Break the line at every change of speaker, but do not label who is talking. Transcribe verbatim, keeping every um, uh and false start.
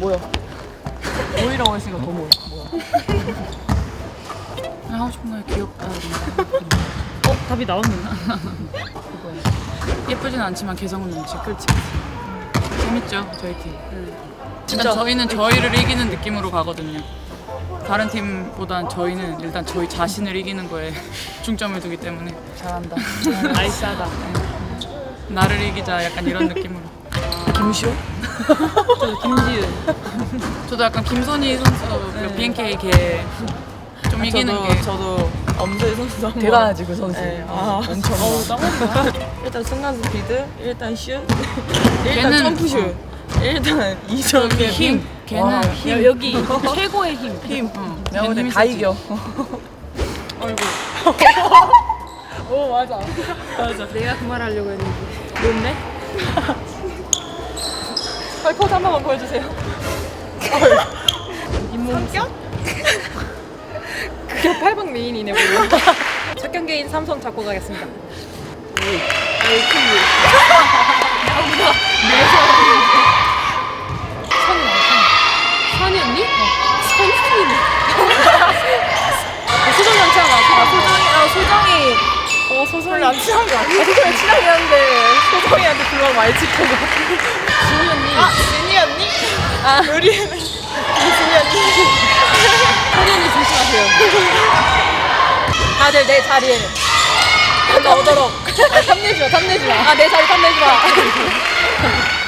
뭐야? 모이라고 했으니까 더 모여. 뭐야?
그냥 하고 싶은 거야. 귀엽다.
어? 답이 나왔는데?
예쁘진 않지만 개성은 넘치고.
그렇지.
재밌죠, 저희 팀.
응.
진짜
진짜
저희는 저희를 이기는 느낌으로 가거든요. 다른 팀보단 저희는 일단 저희 자신을 이기는 거에 중점을 두기 때문에
잘한다. 나이스하다.
나를 이기자 약간 이런 느낌으로.
김시호?
저도 김지은. 저도 약간 김선희 선수 그 비엔케이 걔 좀 이기는
저도,
게.
저도 엄소희 선수 한번
대단하지 그 선수.
네, 아,
엄청.
어우 땀난다. 일단 순간 스피드, 일단 슛, 일단
걔는-
점프 슛, 일단 이점의
힘. 걔는
와,
힘.
여기 최고의 힘.
힘.
어,
내가
걔는
볼때
힘이
다
세지.
이겨.
아이고. 오 맞아. 맞아.
내가 그 말 하려고 했는데.
뭔데? 빨리 포즈 한 번만 보여주세요. 성격? 그게 팔 번 메인이네 뭐야. 첫 경기인 삼성 잡고 가겠습니다. 아이 큰일.
선이 언니? 선이 언니.
소정이 안 친한 거 같아. 소정이, 아 소정이. 어 소정이 안 친한 거 아니야? 소정이 친하긴 한데 소정이한테 불만 많이 찍힌 거 같아.
준이 언니.
아 진이 언니? 아 우리는 진이 언니.
선이 언니 조심하세요.
다들 내 자리에 나오도록. 아, 탐내지 마, 탐내지 마. 아, 내 자리 탐내지 마.